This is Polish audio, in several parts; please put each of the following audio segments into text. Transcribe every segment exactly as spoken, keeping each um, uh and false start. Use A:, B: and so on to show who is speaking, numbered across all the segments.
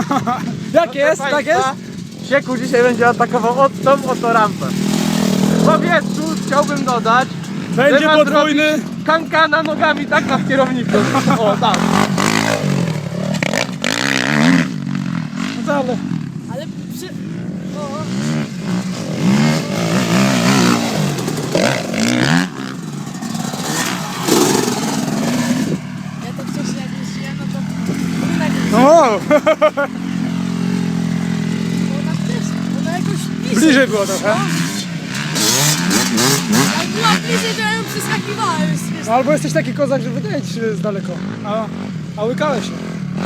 A: Jak jest? Tak jest?
B: Sieku dzisiaj będzie atakował od tą oto rampę. W powietrzu chciałbym dodać,
A: Będzie
B: że ma
A: podwójny.
B: zrobić kankana nogami tak na kierowniku. O, tak.
A: No to ale...
C: Ale przy... O. Ja to wcześniej jak jeździłem, no to... Tak,
A: O!
C: ona też, ona jakoś bliżej.
A: Bliżej było trochę.
C: Jak była bliżej, to ja ją przeskakiwałem. Wiesz,
A: No, albo jesteś taki kozak, że wydaje ci się z daleko. A, a łykałeś się.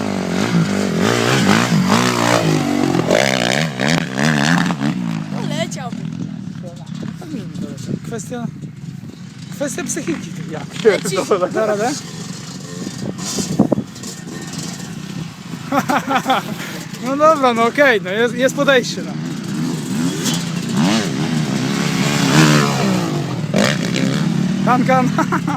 C: no leciałbym.
A: Tak nie wiem, daleko. Kwestia... Kwestia psychiki. Jak?
C: Leci.
A: Da radę? No dobra, no okej, no jest, jest podejście. No. Kan, kan.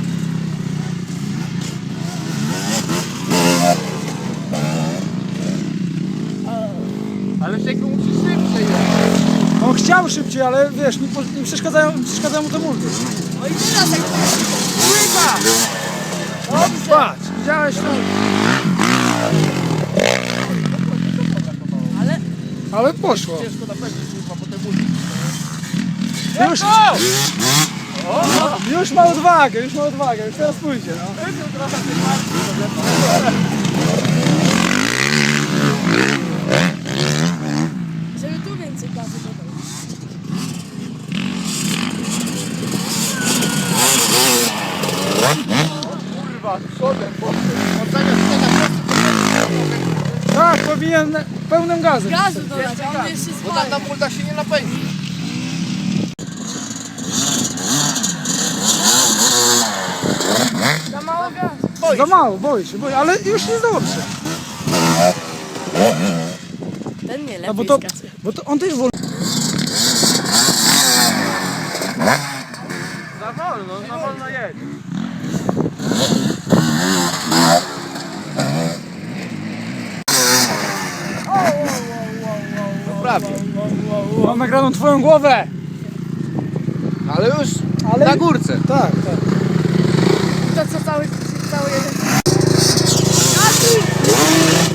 B: Ale Sieku musi szybciej jechać.
A: On chciał szybciej, ale wiesz, nie, po- nie przeszkadzają, przeszkadzają mu te multy.
C: No i teraz jak
A: Patrz, widziałeś to?
C: Ale...
A: Ale poszło.
B: Ciężko napędzić, kurwa, po te buty.
A: Już, już ma odwagę, już ma odwagę, już teraz pójdzie, no.
C: Żeby tu więcej gazu dodał.
B: Kurwa, przodem, bo on zamiast tego
A: Tak, powinien pełnym gazem.
C: Gazu dodać, a on jeszcze
B: bo tam
C: zwalnia.
B: na multa się nie napędzi.
C: Za mało gazu.
A: Za mało, boi się, boi, ale już jest dobrze.
C: Ten nie
A: No
C: lepiej
A: bo to,
C: skacuje.
A: bo to on też wolno.
B: Za wolno, za wolno jedź. No prawie.
A: Mam nagraną twoją głowę.
B: Ale już
A: Ale-
B: na górce.
A: Tak, tak.
C: To co cały, cały jeden... Gazu!